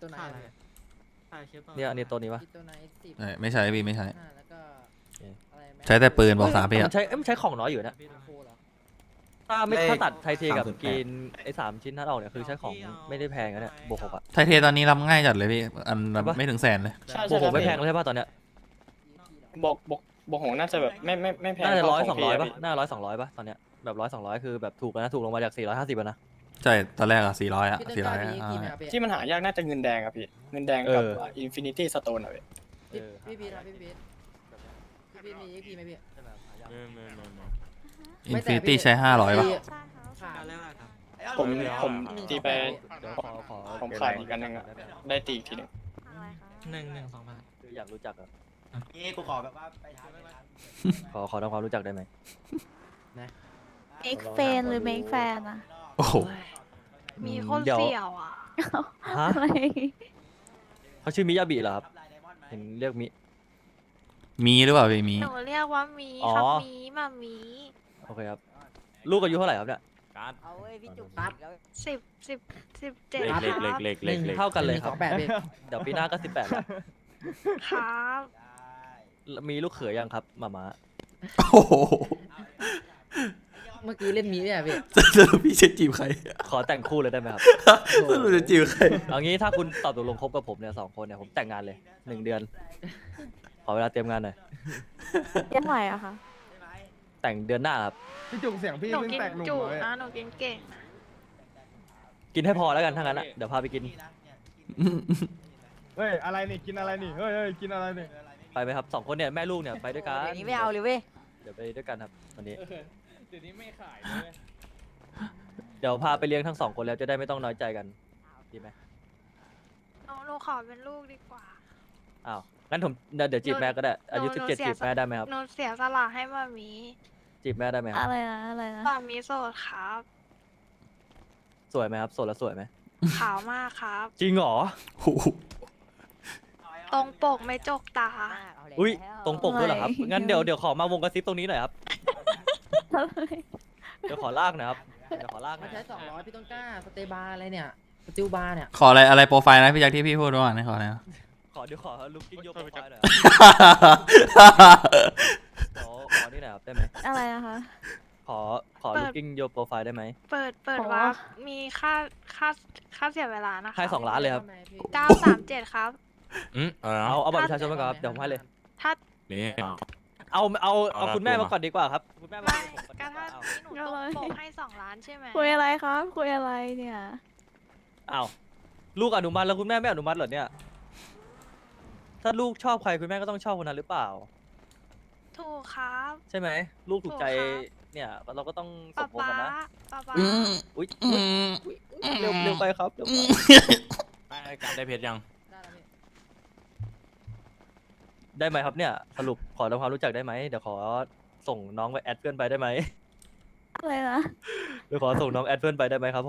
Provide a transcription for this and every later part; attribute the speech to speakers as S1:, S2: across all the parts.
S1: ตัวไหน
S2: เนี่ยอันนี้ตัวนี้ปะ
S1: ตัวไหน X10
S3: ไม่ใช่พี่ไม่ใช่
S1: แล้วก็อะไรแม็ก
S3: ใช้แต่ปืนบอกสามพี่
S2: มั
S3: อะ
S2: นใช้มันใช้ของน้อยอยู่นะ
S1: โคเหรอ
S2: ถ้าตัดไทเทกับ
S4: 308
S2: กรีนไอ้3 ชิ้นนั้นออกเนี่ยคือใช้ของไม่ได้แพงนะเนี่ยบวก6อะ
S3: ไทเทตอนนี้รับง่ายจัดเลยพี่อัน
S2: ใช่ปะ
S3: ไม่ถึงแสนเลย
S5: ใช่
S2: บวก
S5: ใช่
S2: 6ไม่แพงเลยใช่ป่ะตอนเนี้ย
S5: บวกหงน่าจะแบบไม่แพง
S2: น่าจะ
S5: เท่
S2: 100
S5: ข
S2: 200
S5: พี่
S2: ป่ะน่า100 200ป่ะตอนเนี้ยแบบ100 200คือแบบถูกแล้วนะถูกลงมาจาก450นะ
S3: ใช่ตอนแรกอะ400อะ
S1: พี่ต้นกล้า
S3: 400
S1: มี
S3: อะ
S1: กี่ไหมครับพี่
S5: ที่มันหายากน่าจะเงินแดงอะพี่เงินแดงกับอินฟินิตี้สโตนอะพี่
S1: พี่พีทครับพี่พีทพี่พีทมี XP ไหมพี่
S3: อินฟินิตี้ใช้500ป่ะ
S1: ขาด
S5: ผมตีไป
S2: เดี๋ยวขอ
S5: ผมขายอีกอันหนึ่งอะได้ตีอีกทีหนึ่ง
S2: คืออยากรู้จักอะ
S4: นี่กูขอแบบว่าไปทานไปทาน
S2: ขอทำความรู้จักได้ไหม
S6: เมกแฟนหรือเมกแฟนอะ
S3: โอ้โห
S6: มีคน
S2: เดี๋ยว
S6: เสี่ยวอะ
S2: ฮะ
S6: อะไร
S2: เขาชื่อมิยาบิเหรอครับเห็นเรียกมิ
S3: มีหรือเปล่าพี่มี
S6: หนูเรียกว่ามี
S2: อ๋อ
S6: ครับมีมามี
S2: โอเคครับลูกอายุเท่าไหร่ครับเนี่ย
S1: เอาเว้ยพี่จุกครับ
S6: 17
S1: ครับ
S6: ครับ
S2: เท่ากันเลยครับ
S1: 128พี่
S2: เดี๋ยวปีหน้าก็18แล้ว
S6: ครับ
S2: มีลูกเขยยังครับหมาม้า
S3: โอ้โห
S1: เมื่อกี้เล่นมีเนี่ยพี่
S3: สรุปพี่จะจีบใคร
S2: ขอแต่งคู่เลยได้ไหมครับ
S3: สรุปจะจีบใคร
S2: เอางี้ถ้าคุณตอบตกลงคบกับผมเนี่ย2 คนเนี่ยผมแต่งงานเลย1 เดือน ขอเวลาเตรียมงานหน่อย
S6: ยังไหวอะคะ
S2: แต่งเดือนหน้าครับ
S7: พี่จุกเสียงพี่
S6: หนู
S7: เพิ่ง
S6: กิน
S7: แตกหนุ่ม
S6: จุ
S7: เลย
S6: นะหนูกินเก่งนะ
S2: กินให้พอแล้วกันถ้างั้นอะเดี๋ยวพาไปกิน
S7: เฮ้ยอะไรนี่กินอะไรนี่เฮ้ยกินอะไรนี่
S2: ไปไหมครับ2 คนเนี่ยแม่ลูกเนี่ยไปด้วยกัน
S1: เดี๋ยวนี้ไม่เอาเลยเว้ย
S2: เดี๋ยวไปด้วยกันครับวันนี้
S7: เดี๋ยวนี้ไม่ขายเลย
S2: เดี๋ยวพาไปเลี้ยงทั้ง2 คนแล้วจะได้ไม่ต้องน้อยใจกันดีไหม
S6: หนูขอเป็นลูกดีกว่า
S2: อ้าวงั้นผมเดี๋ยวจีบแม่ก็ได้อายุ
S6: หนู
S2: 17จีบแม่ได้ไหมครับ
S6: หนูเสียสละให้มามี
S2: จีบแม่ได้ไหมครับ
S6: อะไรนะมามีโสดครับ
S2: สวยไหมครับโสดแล้วสวยไหม
S6: ขาวมากครับ
S2: จริงเหรอ
S3: โอ้โห
S6: ตรงปกไม่จกตา
S2: อุ้ยตรงปกด้วยเหรอครับงั้นเดี๋ยวขอมาวงกระซิบตรงนี้หน่อยครับเดี๋ยวขอลากหนะครับเดี๋ยวขอลากห
S1: มา
S2: น่อย
S1: ใช้200พี่ต้นกล้าสเตย์บาร์อะไรเนี่ยสติลบาร์เนี่ย
S3: ขออะไรโปรไฟล์นะพี่แจ็คที่พี่พูดว่าขออะไรนะ
S2: เดี๋ยวขอลุกกิ้งโยกโปรไฟล์หน่อยครับขอนี่หน่อยครับได้ไหม
S6: อะไรนะคะ
S2: ขอลุกกิ้งโยกโปรไฟล์ได้ไหม
S6: เปิด โอ้ว่ามีค่าเสียเวลานะคะ
S2: ให้2 ล้านเลยครับ
S6: 937ครับ
S2: เอาบัตรประชาชนมาก่อนครับเดี๋ยวผมให้เลย
S6: ถ้า
S2: เอาคุณแม่มาก่อนดีกว่าครับคุณแม่มา
S6: ไม่
S2: ผมก่อน
S6: ก็ถ้า
S2: เอา
S6: ที่หนูตรงปกให้2 ล้านใช่ไหม
S8: คุยอะไรครับคุยอะไรเนี่ย
S2: เอาลูกอนุมัติแล้วคุณแม่ไม่อนุมัติเหรอเนี่ยถ้าลูกชอบใครคุณแม่ก็ต้องชอบคนนั้นหรือเปล่า
S6: ถูกครับ
S2: ใช่ไหมลูกถูกใจ
S6: ถูกครับ
S2: เนี่ยเราก็ต้องส
S6: ป๊าม
S2: พงษ์
S6: ป๊า
S2: กันนะ
S6: ป๊า
S3: อืม
S2: อุ้ย
S3: อืม
S2: เร็วไปครับเร็วไป
S4: ได้เพชรยัง
S1: ได้แล้วพี่
S2: ได้ไหมครับเนี่ยสรุปขอทำความรู้จักได้ไหมเดี๋ยวขอส่งน้องไปแอดเพื่อนไปได้ไหม
S8: อะไรนะ
S2: เดี๋ยวขอส่งน้องแอดเพื่อนไปได้ไหมครับผม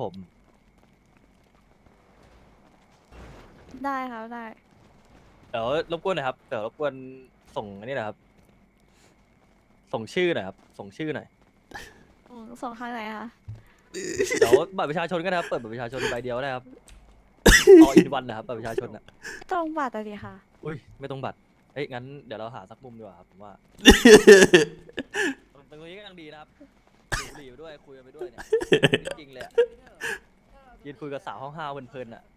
S8: ได้ครับได้
S2: เดี๋ยวรบกวนหน่อยครับเดี๋ยวรบกวนส่งอันนี้หนะครับ ส่งชื่อหน่อยครับส่งชื่อหน่อย
S8: ส่งทางไหนคะ
S2: เดี๋ยวบัตรประชาชนก็ได้ครับเปิดบัตรประชาชนใบเดียวได้ครับออินวันนะครับบัตรประชาชนอ่ะ
S8: ตรงบัตรอะดิค่ะ
S2: อุ้ยไม่ต้องบัตรเอ้ยงั้นเดี๋ยวเราหาสักมุมดีกว่าครับผมว่าตรงนี้ก็ยังดีนะครับดูบุหรี่ไปด้วยคุยกันไปด้วยเนี่ยจริงๆเลยอะยืนคุยกับสาวห้องห้าเพลินๆอ่ะ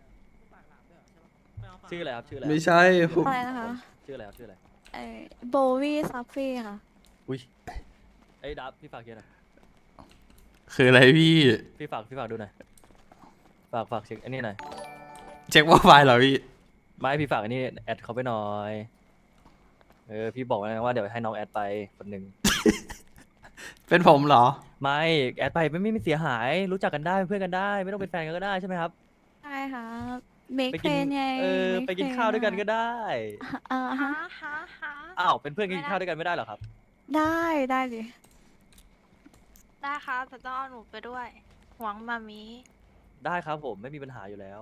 S2: ชื่ออะไรครับชื่ออะไร
S3: ไม่ใช่ผม
S8: อะไรนะคะ
S2: ชื่ออะไรครับชื่ออะไร
S8: โบวี่ซัฟฟี่ค่ะ
S2: อุ้ยไอ้ยดับพี่ฝากเขียนหน่อย
S3: คืออะไรพี่
S2: พี่ฝากดูหน่อยฝากเช็คอันนี้หน่อย
S3: เช็คโปรไฟล์เหรอพี่
S2: ไม่พี่ฝากอันนี้แอดเขาไปหน่อยพี่บอกแล้วนะว่าเดี๋ยวให้น้องแอดไปคนหนึ่ง
S3: เป็นผมเหรอ
S2: ไม่แอดไปไม่เสียหายรู้จักกันได้เป็นเพื่อนกันได้ ไม่ต้องเป็นแฟนกันก็ได้ใช่ไหมครับ
S8: ใช่ค่ะเมก
S2: ไป
S8: เฟ
S2: กิ
S8: นไง
S2: ไปกินข้าวด้วยกันก็ได้
S8: ฮะ
S6: ฮะฮะฮะ
S2: อ้าวเป็นเพื่อนกินข้าวด้วยกันไม่ได้เหรอครับ
S8: ได้ดิ
S6: ได้ครับแต่ต้องเอาหนูไปด้วย หวังมามี
S2: ได้ครับผมไม่มีปัญหาอยู่แล้ว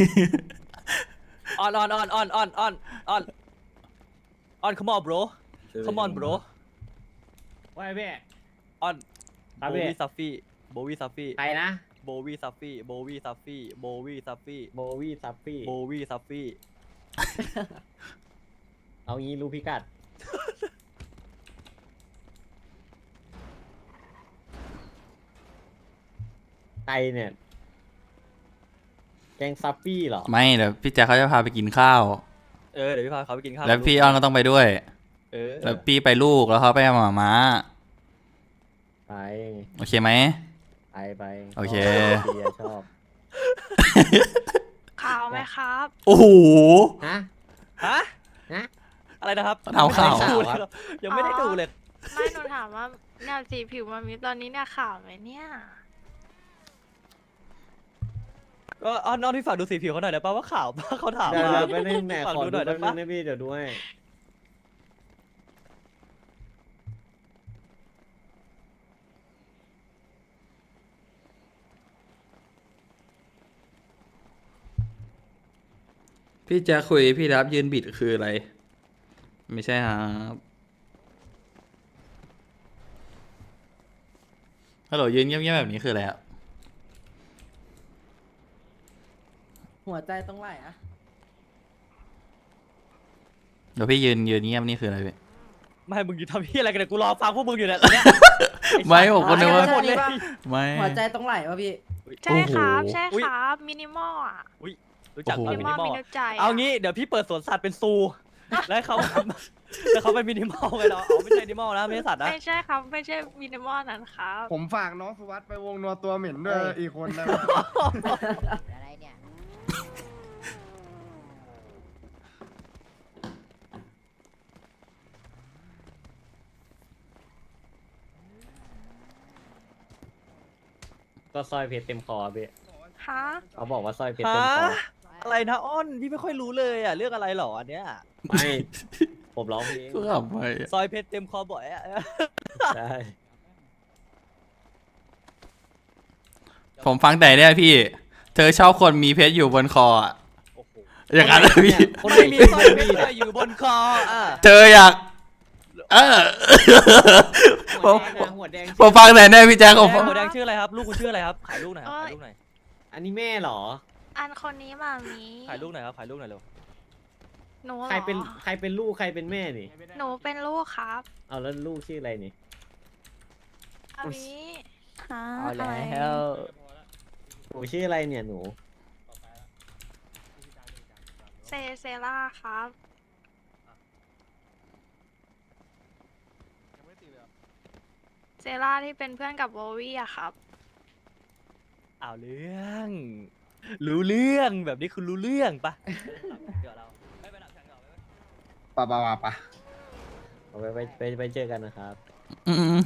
S2: ออน come on bro come on bro
S7: ว่าไงพี่
S2: ออน
S7: ครับ
S2: โบ
S7: พี่
S2: วี่ซัฟฟี่
S1: ใครนะ
S2: โบโบวี่ซัฟฟี่โบวี่ซัฟฟี่โบวี่ซัฟฟี่
S9: โบวี่ซัฟฟี่
S2: โบวี่ซัฟฟี่
S9: เอางี้รู้พิกัด ไตเนี่ย แกงซัฟฟี่เหรอ
S3: ไม่เดี๋ยวพี่แจ็คเขาจะพาไปกินข้าว
S2: เดี๋ยวพี่พาเขาไปกินข้าว
S3: แล้วพี่อ้อนก็ต้องไปด้วย
S2: เออ
S3: แล้วพี่ไปลูกแล้วเขาไปหมาม้า
S9: ไป
S3: โอเคไหม
S9: ไป
S3: โอเค
S9: ชอบเบียร์ชอบ
S6: ข่าวไหมครับ
S3: โอ้โห
S9: ฮะ
S2: ฮะ
S9: ฮะ
S2: อะไรนะครับ
S3: เอาข่าว
S2: ยังไม่ได้ดูเลย
S6: ไม่หนูถามว่าเนี่ยสีผิวมามีตอนนี้เนี่ยข่าวไหมเนี่ย
S2: ก็อ้อนพี่ฝากดูสีผิวเขาหน่อยได้ป่ะว่าขาวป่ะเขาถาม
S9: เดี๋ยว
S2: มา
S9: ไปนึงแหน
S2: ฝาก
S9: ขอ
S2: ดู
S9: ดู
S2: หน่อย
S9: แป๊
S2: ได้
S9: บนึ
S2: ปะ
S9: งนะพี่เดี๋ยวด้วย
S3: พี่แจ็คคุยพี่รับยืนบิดคืออะไร ไม่ใช่ครับฮัลโหลยืนเงียบๆแบบนี้คืออะไรอะ
S1: หัวใจต้องไหลอะ
S3: เดี๋ยวพี่ยืนเงียบนี่คืออะไรพี่
S2: ไม่มึงอยู่ทำพี่อะไรกันเนี่ยกูรอฟังพวกมึงอยู่เนี่ยตอนเนี้ย
S3: ไม่ผมก็นึกว่า
S2: หมดเลย
S3: ไม่
S1: หัวใจต้องไหลวะพี่
S6: ใช่ครับ
S3: โอ้โห
S6: ใช่
S2: อุ๊ย
S6: ครับมินิมอลอ่ะ
S2: รู้จัก
S3: โอ้โห
S2: ป่ะ
S6: มิ
S2: มิ
S6: นิมอ
S2: นิ
S6: ล
S2: มอล
S6: มีน้ำใจะ
S2: เอางี้เดี๋ยวพี่เปิดสวนสัตว์เป็นซูแล้วเขา แล้วเขาเป็นมินิมอลไงเนาะเอาไม่ใช่มินิมอลนะไม่ใช่สัตว์นะ
S6: ไม่ใช่ครับไม่ใช่มินิมอลนั้นครับ
S7: ผมฝากน้องสุวัสด์ไปวงนัวตัวเหม็นด้วยอีกคนนะ
S1: อะไรเนี่ย
S9: ก็สร้อยเพชรเต็มคอพี่
S6: ฮะ
S9: เขาบอกว่าสร้อยเพชร
S2: ฮะ
S9: เต็มคอ
S2: อะไรนะอ้อนพี่ไม่ค่อยรู้เลยอ่ะเรื่องอะไรหรออันเนี้ย
S9: ไม่ผมร้องเพลง
S3: ก็ขับไป
S2: ซอยเพชรเต็มคอบ่อยอ่ะ
S9: ใช่
S3: ผมฟังแต่เนี่ยพี่ เธอชอบคนมีเพชรอยู่บนคออะ
S2: โอ้โห
S3: อย่างนั้นเลยพี่
S9: คนไหน
S2: ไม่มีซอยเพชรอยู่บนคออ่ะ
S3: เธออยากผ
S9: หัว
S3: ม
S9: แดงนะหัวแดง
S3: ผมฟังแต่เนี่ยพี่แจ็คผม
S2: หัวแดงชื่ออะไรครับลูกคุณชื่ออะไรครับขายลูกหน่อยครับขายลูกหน่อย
S9: อันนี้แม่เหรอ
S6: อันคนนี้มามี
S2: ขายลูกหน่อยครับขายลูกหน่อยเร็ว
S6: หนูเหรอ
S9: ใครเป็นลูกใครเป็นแม่นี่
S6: หนูเป็นลูกครับ
S9: เอาแล้วลูกชื่ออะไรนี่
S6: มามี
S8: ฮะ
S2: เอา
S8: อะไร
S2: แล้ว
S9: หนูชื่ออะไรเนี่ยหนู
S6: เซล่าครับ เซล่าที่เป็นเพื่อนกับโบวี่อะครับ
S2: เอาเรื่องรู้เรื่องแบบนี้คุณรู้เรื่องปะเดี๋ยวเราไม่ไปดับแข่งต่อไป
S7: ปะปะปะปะ
S9: เอาไปเจอกันนะครับ
S3: อืม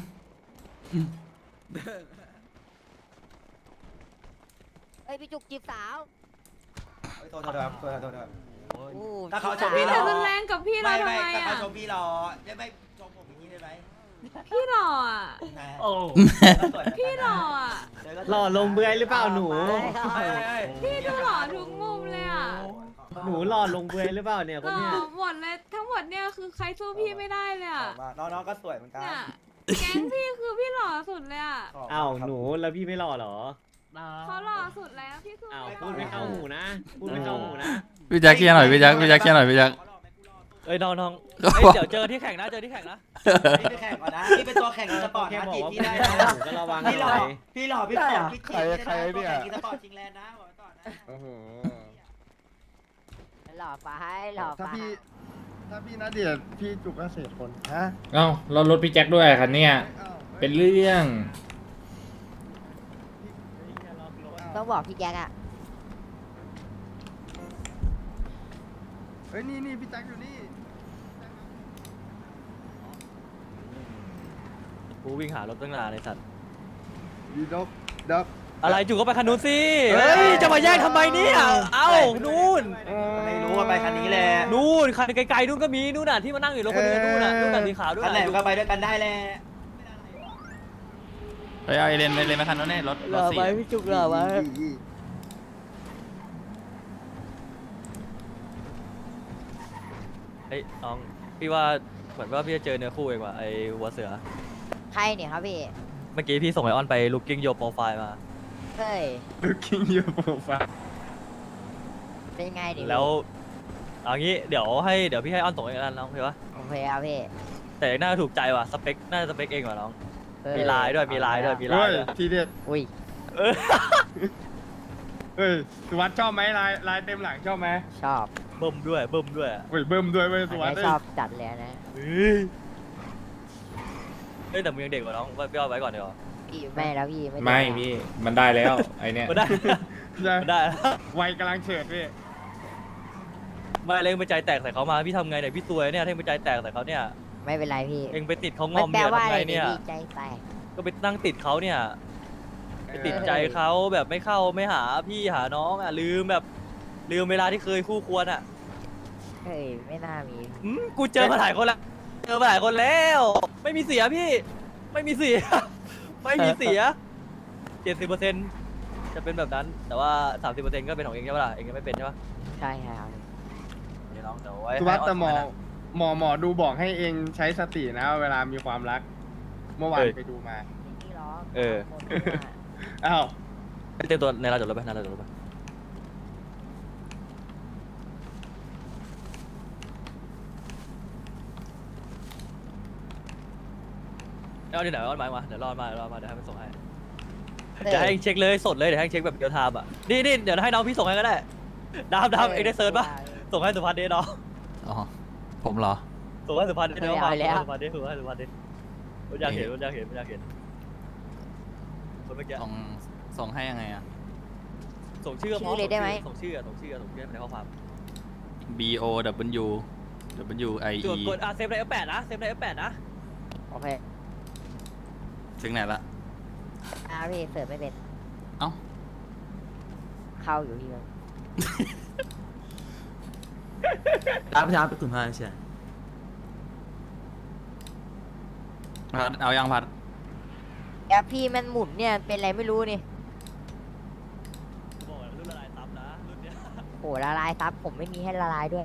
S1: เอ้ยพี่จุกจีบสาว
S4: โทษครับโทษครับ
S1: โอ้
S4: ถ้าเขาชมพี่
S1: พี่
S4: เรา
S10: รุนแรงกับพี่เราทำไม
S4: ถ้าเขา
S10: อ่ะ
S4: ชมพี่เราได้ไม่ชมผมอย่างนี้ได้ไหม
S10: พี่หล่ออ่ะ
S4: โอ้
S10: พี่หล่ออ่ะ
S9: หล่อลงเบือยหรือเปล่าหนู
S10: พี่ดูหล่อทุกมุมเลยอ่ะ
S9: หนูหล่อลงเบือยหรือเปล่าเนี่ย
S10: ห
S9: คน
S10: ล่อ
S9: เนี้ย
S10: หมดเลยทั้งหมดเนี่ยคือใครสู้พี่ไม่ได้เลยอ่ะ
S4: น้องๆก็สวยเหมือนกัน
S10: เนี่ยแก๊งพี่คือพี่หล่อสุดเลยอ่ะ
S9: อ้าวหนูแล้วพี่ไม่หล่อเหรอ
S10: เขาหล่อสุดแล้วพี่คือ
S9: อ้าว
S10: ไม่ห
S9: พู
S10: ล่
S9: ด
S10: อ
S9: ไม่เข้าหูนะพูดไม่เข้าหูนะ
S3: พี่แจ็คเคลียร์หน่อยพี่แจ็คเคลียร์หน่อยพี่แจ็ค
S2: เอ้ยน้อง
S3: ก็
S2: เอ้ย
S3: บอก
S2: เดี๋ยวเจอที่แข่งนะเจอที่แข่งนะ
S4: พี่ไปแข่งก่อนนะพี่เป็นตัวแข่งอีสปอร์ต
S9: แค่
S4: นะ
S9: บอก
S4: จีบ
S9: ว่า
S4: พี่ได้
S9: พูด
S4: นะ
S9: ไม่เข้าหูก็ระวัง
S4: พี่ห
S9: ห
S4: ล่
S9: น่
S4: อ
S9: อย
S4: พี่หล่อพี่ตอบพี่จีบพี่ได้นะตัวแข่งอีสปอร์ตชิงแลนด์นะบอกไว้ก่อนนะ
S7: โอ้โห
S1: หล่อไปหล่อ
S7: ถ้า
S1: ไป
S7: พี่ณเดชน์พี่จุกเกษตรคนฮะ
S11: เอ้าเรารถพี่แจ็คด้วยคันเนี้ย
S7: อ้าว
S11: เป็นเรื่อง
S1: ต้องบอกพี่แจ๊กอะ
S7: เฮ้ยนี่พี่แจ็คอยู่นี่
S2: กูวิ่งหารถตั้งนานในสัตว์
S7: ดีด็อก
S2: อะไรจุกก็ไปคันนู้นสิ
S7: เฮ้
S2: เฮ้
S7: ย
S2: ยจะมาแย่งทำไมเนี่ยเอ้านู่น
S4: ไม่รู้ว่าไปคันนี้แหละ
S2: นู่นคันไกลๆนู่นก็มีนู่นน่ะที่มานั่งอยู่รถคนเดียวนู่นน่ะสีขาวด้วย
S4: คันไหนมันก็ไปด้วยกันได้แหละ
S3: ไปเอาไอเลนไปคันนู้นเนี่ยรถ
S1: หล่อ
S3: สี่
S1: ไปพี่จุกหล่อไป
S2: เฮ้ยน้องพี่ว่าเหมือนว่าพี่จะเจอเนื้อคู่เองว่ะไอ้หัวเสือ
S1: ใครเนี่ยครับพี่
S2: เมื่อกี้พี่ส่งไอออนไป looking your profile มา
S1: เฮ้ย
S7: looking your profile
S1: เป็นไงดิ
S2: แล้วเอางี้เดี๋ยวพี่ให้อ้อนส่งเองแล้วน้องโอเคปะ
S1: โอเคครับพี่
S2: แต่น่าจะถูกใจว่ะสเปคน่าจะสเปคเองว่ะน้อง
S1: เออ
S2: มีลายด้วยมีลายด้วยมีลา
S7: เฮ้
S2: ย
S7: ย
S2: ด้วย
S7: ทีเด็ด
S1: อุ้ย
S2: เออ
S7: เฮ้ยสุวัสด์ชอบไหมลายเต็มหลังชอบไหม
S1: ชอบ
S2: เบิ่มด้วย
S7: เฮ้ยเบิ่มด้วยเว้ยสุวัส
S1: อัน
S7: ด์
S1: นี้ชอบจัดเลยนะ
S2: เฮ้ยแต่มึงยังเด็กกว่าน้องพี่เอาไว้ก่อนเดี๋ยวา
S1: พี่ไม่แล้วพี่ไม่
S11: ไม่
S1: ด้
S11: พี่ มันได้แล้วไอเนี้ย
S2: มันได้
S7: ใช่
S2: มันได้
S7: วัยกำลังเฉิดพี่
S2: ไม่เลยไปใจแตกใส่เขามาพี่ทำไงเนี่ยพี่ซวยเนี่ยถ้าเองไปใจแตกใส่เขาเนี่ย
S1: ไม่เป็นไรพี่
S2: เองไปติดเขาง
S1: มั
S2: อม
S1: แปล
S2: เนี่ย
S1: ว่า
S2: ทำ
S1: อะไร
S2: ไงเนี่ย
S1: พี่ใจแตก
S2: ก็ไปนั่งติดเขาเนี่ยไปติดใจเขาแบบไม่เข้าไม่หาพี่หาน้องอ่ะลืมเวลาที่เคยคู่ควรอ่ะ
S1: เฮ้ยไม่น่ามี
S2: กูเจอมาหลายคนแล้วเจอมาหลายคนแล้ว ไม่มีเสียพี่ ไม่มีเสีย ไม่มีเสีย70%จะเป็นแบบนั้น แต่ว่า30%ก็เป็นของเองใช่ปะล่ะเองยังไม่เป็นใช่ปะ
S1: ใช่ครับ
S2: เดี๋ยวน้องเดี๋ยวไว้
S7: สุวัสด์แต่หมอ
S2: ให้
S7: หมอดูบอกให้เองใช้สตินะ เวลามีความรัก เมื่อวานไปดูมา
S1: นี่หรอ
S2: เออ
S1: คนดูอะ
S7: อ้าว
S2: เตรียมตัวในร้านจอดรถไปในร้านจอดรถไปเอาดิไหนเอามาเดี๋ยวรอมาเดี๋ยวให้มันส่งให้ เดี๋ยวให้เองเช็คเลยสดเลยเดี๋ยวให้เองเช็คแบบเดียวไทม์อ่ะนี่เดี๋ยวให้น้องพี่ส่งให้ก็ได้ดามเองได้เซิร์ชปะส่งให้สุพัฒน์ดิน้อง
S3: อ๋อ ผมเหรอ
S2: ส่งให้สุพัฒน์ดิน้อง
S1: เอาแล้ว
S2: สุพัฒน์ดิส่งให้สุพัฒน์ดิผมอยากเห็นคนเมื่อกี้
S3: ส่งให้ยังไงอะ
S2: ส่งชื่อ
S1: ชื่อเลยได้ไหม
S2: ส่งชื่อในข้อความ
S3: B O W W I
S2: ก
S3: E
S2: ดเซฟใน F8 นะเซฟใน F8 นะ
S1: โอเค
S3: ถึงไหนละ
S1: พี่เสิร์ฟไม่เป็น
S3: เอ้า
S1: เข้าอยู่ที่มัน
S4: รับไปคุณพ่อใช่
S3: พัดเอายังพัด
S1: แอปพี่มันหมุนเนี่ยเป็นอะไรไม่รู้นี่
S2: บอกแล้วรุ่นละลายซับนะรุ่นเนี้ย
S1: โหละลายซับผมไม่มีให้ละลายด้วย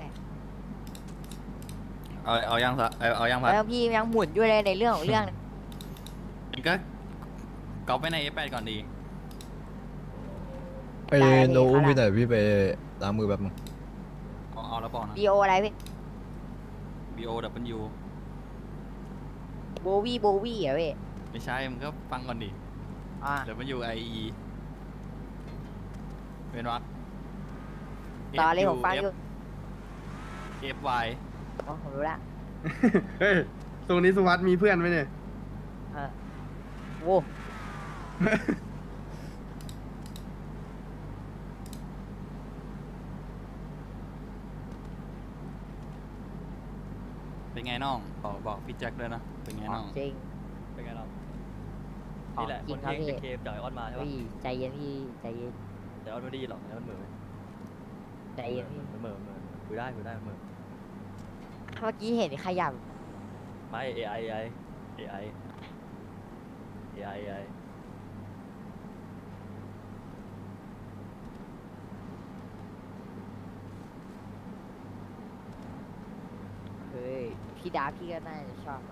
S3: เอายังซะเอายังพัด
S1: แล้วพี่ยังหมุนด้วยเลยในเรื่องของเรื่อง
S3: ก็ก๊อปไว้ใน F8 ก่อนดี
S1: ไปโน้มไปไหนพี่
S8: ไปล้างมือแบบนึง
S3: เอาแล้วบอกนะ
S1: ดีโออะไรพี่
S3: B O W
S1: โบวี่เหรอพี่
S3: ไม่ใช่มึงก็ฟังก่อนดิ
S1: อ่า
S3: W I E เป็นวัก
S1: ต่อเลยผมฟังอยู่
S3: F Y
S1: อ๋อผมรู้ละ
S7: เฮ้ยตรงนี้สุวัสด์มีเพื่อนไหมเนี่ย
S1: โว้
S3: เป็นไงน้องบอกพี่แจ็คด้วยนะ เป็นไงน้อง
S1: จริง
S2: เป็นไงเรา
S1: ของ
S2: นี่แหละ
S1: จ
S2: ค
S1: ริง
S2: น
S1: ครับ
S2: ที่
S1: พี่
S2: เคมจากไอออนมาใช่ปะ
S1: พี่ใจเย็นพี่ใจเย็น
S2: แต่ออนไม่ได้ยินหรอกแต่มันเหมือน
S1: ใจเย็นพี่
S2: เหมือนคุยได้เหมือน
S1: เมื่อกี้เห็นขยับ
S2: ไม่ AI
S1: เฮ้ยพี่ดาพี่ก็น่าจะชอบนะ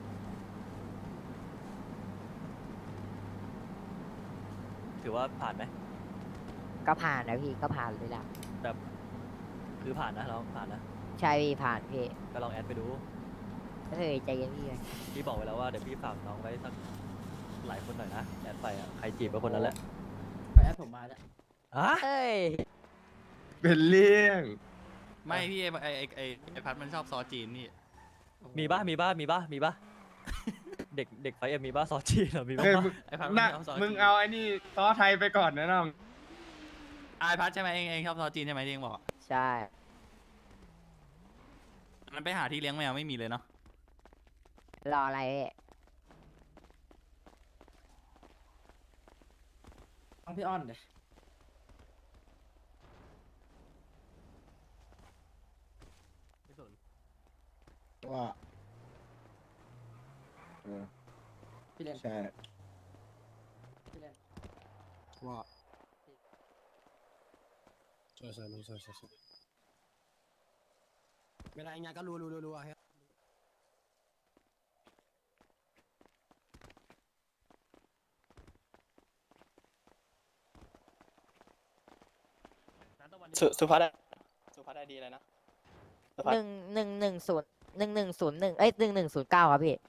S2: ถือว่าผ่านไหม
S1: ก็ผ่านนะพี่ก็ผ่านเลยล่ะ
S2: คือผ่านนะเราผ่านนะ
S1: ใช่พี่ผ่านพี่
S2: ก็ลองแอดไปดู
S1: เฮ้ยใจเย็นพี่
S2: พี่บอกไว้แล้วว่าเดี๋ยวพี่ฝากน้องไว้สักหลายคนหน่อยนะแอดไปอ่ะใครจีบก็คนนั้นแหละ
S4: แอปผมมาแล้ว
S2: ฮะ
S1: เฮ้ย
S7: เป็นเรื่อง
S3: ไม่พี่ไอพัดมันชอบซอสจีนนี่
S2: มีป่ะเด็กไฟเอ็มมีป่ะซอสจีนเหรอมีป่ะ
S7: เฮ้ยมึง
S3: ไอพัด
S7: น่ะ
S3: ชอบซอส
S7: มึง
S3: จีน
S7: เอาไอ้นี่ซอสไทยไปก่อนนะน้อง
S3: ไอพัดใช่ไหมเองชอบซอสจีนใช่ไหมที่เองบอก
S1: ใช่
S3: มันไปหาที่เลี้ยงแมวไม่มีเลยเนาะ
S1: รออะไรพี่
S4: ต้องพี่อ้อนเดี๋ยว
S7: ว่า
S4: พี่เล่น
S7: ใช่
S4: พี่เล่น
S7: ว่าใช่เวลาอย่างเงี้ยก็รู้ฮะ
S5: สุภัสได้ดีเลยนะสุภัส
S1: 1101เอ้ย1109ครับพี่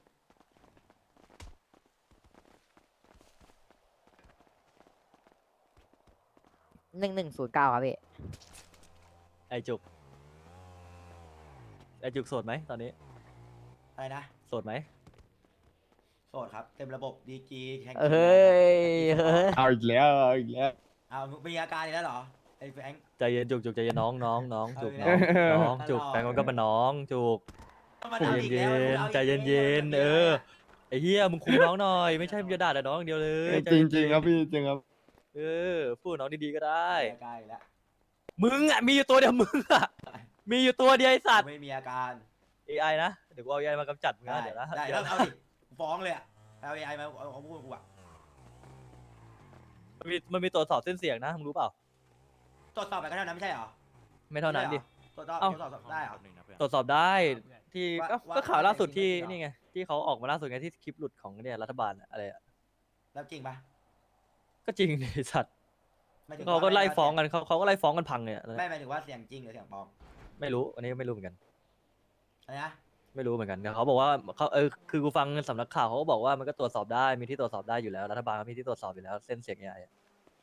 S1: 1109ครับพี่
S2: ไอจุกโสดไหมตอนนี้
S4: อะไรนะ
S2: โสดไหม
S4: โสดครับเต็มระบบดีจีแข่ง
S1: เฮ้ยเฮ้ย
S7: เอาอีกแล้วเอาอีกแล้ว
S4: เอามีอาการอีกแล้วเหรอไอ้แฟง
S2: ใจเย็นจุกใจเย็นน้องจุก
S4: เอาอีกแล้ว
S2: น้องจุก
S4: ตลอด
S2: แฟนมันก็เป็นน้องจุก
S4: มัน
S2: ใจ
S4: อาอีก
S2: เย็
S4: แล้ว
S2: น
S4: อาอีก
S2: ใจเย็น
S4: แล้ว
S2: เออไอ้เหี้ยมึงคุมน้องหน่อยไม่ใช่มึงจะด่าแต่น้องอย่างเดียวเลยใจ
S7: จริ
S2: เย็
S7: ง
S2: น
S7: จริงครับพี่จริงครับ
S2: เออพูดกับน้องดีๆก็ได้
S4: มีอาการอีกแล้ว
S2: มึงอ่ะมีอยู่ตัวเดียวมึงอ่ะมีอยู่ตัวเดียวไอสัตว์
S4: ไม่มีอาการ
S2: AI นะเดี๋ยวกูเอา AI มากำจัดมึง
S4: ได้
S2: นะเดี๋ยวนะ
S4: ได้
S2: เดี๋
S4: แล้
S2: ยว ว
S4: เอาดิฟ้องเลยอะเอาไอมาเอาพูดกูอะ
S2: มันมีตรวจสอบเส้นเสียงนะมึงรู้เปล่า
S4: ตรวจสอบไปก็เท่านั้นไม่ใช่เหรอ
S2: ไม่เท่านั้นดิ
S4: ตรวจสอบ
S2: เอ้า
S4: ตรวจสอบได้เหรอ
S2: ตรวจสอบได้ที่
S4: ว่า
S2: ก็ข่าวล่าสุดที่
S4: ว่า
S2: นี่ไงที่เขาออกมาล่าสุดไงที่คลิปหลุดของเนี่ยรัฐบาลอะอะไรอะ
S4: แล้วจริงปะ
S2: ก็จริงดิสัตว์
S4: หมายถึง
S2: เขาก็
S4: ว่
S2: ไล่ฟ้องกันเขาก็ไล่ฟ้องกันพังเนี่ย
S4: ไม่หมายถึงว่าเสียงจริงหรือเสียงปลอม
S2: ไม่รู้อันนี้ไม่รู้เหมือนกัน
S4: อะไรนะ
S2: ไม่รู้เหมือนกันแต่เขาบอกว่าเขาคือกูฟังสำนักข่าวเขาก็บอกว่ามันก็ตรวจสอบได้มีที่ตรวจสอบได้อยู่แล้วรัฐบาลก็มีที่ตรวจสอบอยู่แล้วเส้นเสียงใหญ่อะ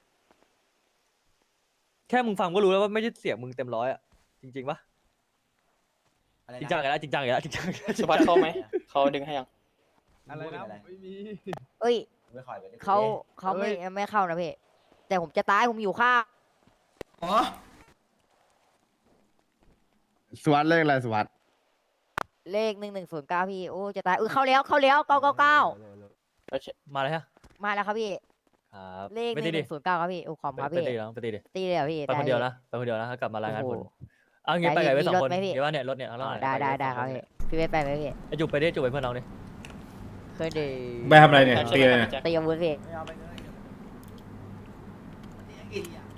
S2: แค่มึงฟังก็รู้แล้วว่าไม่ใช่เสียงมึงเต็มร้อยอะจริงๆปะ
S4: อะไร
S2: จริง
S4: นะ
S2: จังอีกแล้วจริงจังอีกแล้วจริงจังอีกแล้ว
S5: สุภัสเข้าไหมเขาดึงให้ยัง
S7: อะไรนะ
S4: พูดถึง
S7: ไม่มี
S1: เอ้ย
S4: ไม่ค่อยไปได้
S1: เขาไม่เข้านะพี่แต่ผมจะตายผมอยู่ข้าง
S7: สวัสดเลขอะไรสวัสด
S1: เลข1109พี่โอ้จะตายเข้าแล้ว999
S5: โอเค
S2: มาเลยฮะ
S1: มาแล้วครับพี่
S2: ครับ
S1: เลข
S2: ไม่ตีดิ
S1: 1109ครับพี่โอ้ขอบคุณครับ
S2: ไป
S1: พี่
S2: ตีน้องไปตีดิ
S1: ตีเลยเหรอพี่
S2: ไปคนเดียว
S1: ได้
S2: นะไปคนเดียวนะถ้ากลับมารายงานผล
S1: โอ้โห
S2: เอางี้ไปกับไอ้เว้ย
S1: มี
S2: สอง
S1: รถ
S2: คน
S1: ไหมพี่
S2: เดี๋ยวว่าเนี่ยรถเนี่ยข้างล่าง
S1: ได้ครับพี่พี่เวทไปไหมพี่
S2: ไอ้จุกไปดิจุกไปเพื่อนน้องดิ
S1: เคยดี
S11: ไปทำอะไรเนี่ยตีอะไรเนี่ย
S1: ตีอาวุธพี่
S4: ไม่เอาไปเลยมันจะกินอ่ะ